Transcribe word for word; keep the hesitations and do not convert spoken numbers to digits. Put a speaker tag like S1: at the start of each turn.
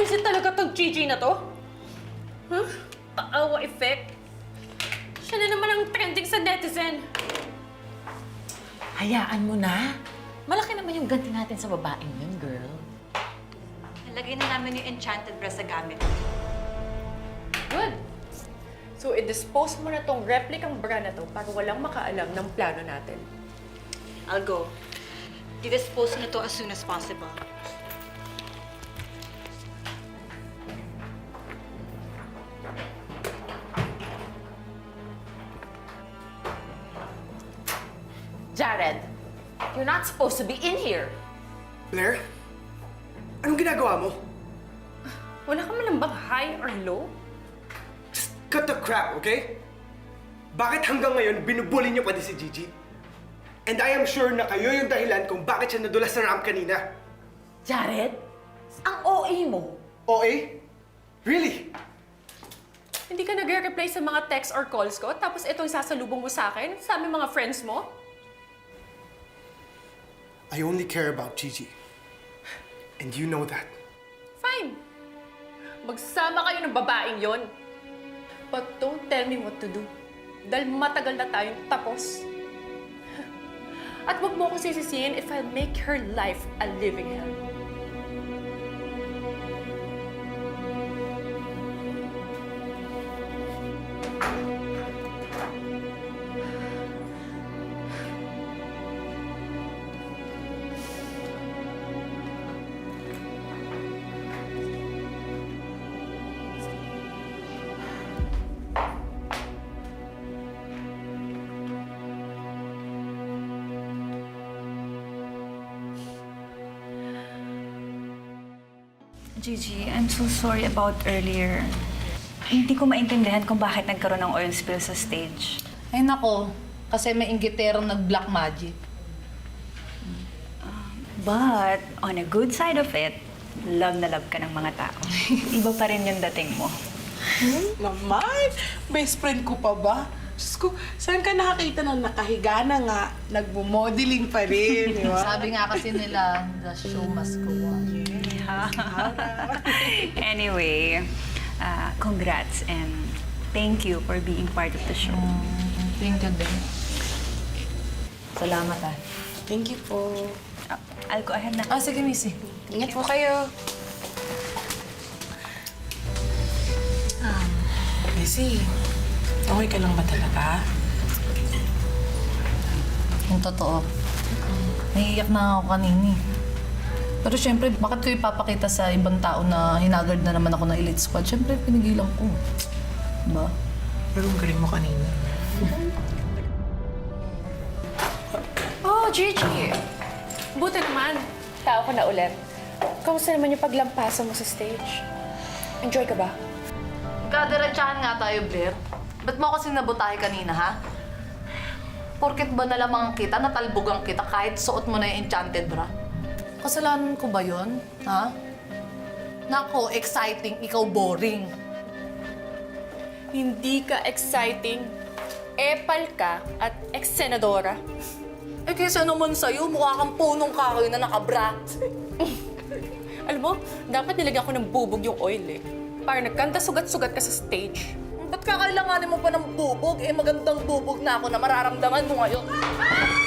S1: Buwisit talaga tong Gigi na to. Huh? Paawa effect. Siya na naman ang trending sa netizen.
S2: Hayaan mo na. Malaki naman yung ganti natin sa babaeng yun, girl.
S3: Nalagay na namin yung enchanted bra sa gamit.
S1: Good. So, i-dispose mo na tong replicang bra na to para walang makaalam ng plano natin.
S3: I'll go. I-dispose na to as soon as possible.
S2: Jared, you're not supposed to be in here.
S4: Blair? Anong ginagawa mo?
S1: Wala ka man lang bang high or low?
S4: Just cut the crap, okay? Bakit hanggang ngayon binubuli niyo pa din si Gigi? And I am sure na kayo yung dahilan kung bakit siya nadulas sa ramp kanina.
S2: Jared, ang O A mo.
S4: O A? Really?
S1: Hindi ka nagre-reply sa mga texts or calls ko, tapos itong sasalubong mo sa akin, sa aming mga friends mo?
S4: I only care about Gigi. And you know that.
S1: Fine. Magsama kayo ng babaeng yon. But don't tell me what to do. Dahil matagal na tayong tapos. At wag mo ko sisisihin if I'll make her life a living hell.
S5: Gigi, I'm so sorry about earlier. Hindi ko maintindihan kung bakit nagkaroon ng oil spill sa stage.
S6: Ay nako, kasi may inggiterong nag-black magic.
S5: But, on a good side of it, love na love ka ng mga tao. Iba pa rin yung dating mo.
S7: Naman! Best friend ko pa ba? Diyos ko, saan ka nakakita na nakahiga na nga, nagmo-modeling pa rin, di ba?
S6: Sabi nga kasi nila, the show must go on.
S5: Anyway, uh, congrats and thank you for being part of the show.
S6: Thank you din. Salamat ah.
S7: Thank you po.
S5: Uh, I'll go ahead na.
S6: Ah, sige, Missy.
S7: Ingat po kayo.
S6: Ah, Missy, okay ka lang ba talaga? Yung totoo. Naiiyak na ako kanini. Pero syempre, bakit ko ipapakita sa ibang tao na hinagard na naman ako ng elite squad? Syempre, pinigilan ko. Diba?
S7: Pero ang galing mo kanina.
S1: Oh, Gigi! Buti naman. Tao ka na ulit. Kamusta naman yung paglampasan mo sa stage? Enjoy ka ba?
S6: Kadiretsahan nga tayo, Blair. Ba't mo kasi nabutahe kanina, ha? Porket ba nalamang kita, natalbogang kita kahit suot mo na yung enchanted bra? Kasalanan ko ba yun? Ha? Nako, exciting, ikaw boring.
S1: Hindi ka exciting. Epal ka at ex-senadora.
S6: Eh kaysa naman sa'yo, mukha kang punong kahoy na nakabra.
S1: Alam mo, dapat nilagyan ko ng bubog yung oil eh. Para nagkanta sugat-sugat ka sa stage.
S6: Ba't kakailanganin mo pa ng bubog? Eh magandang bubog na ako na mararamdaman mo ngayon.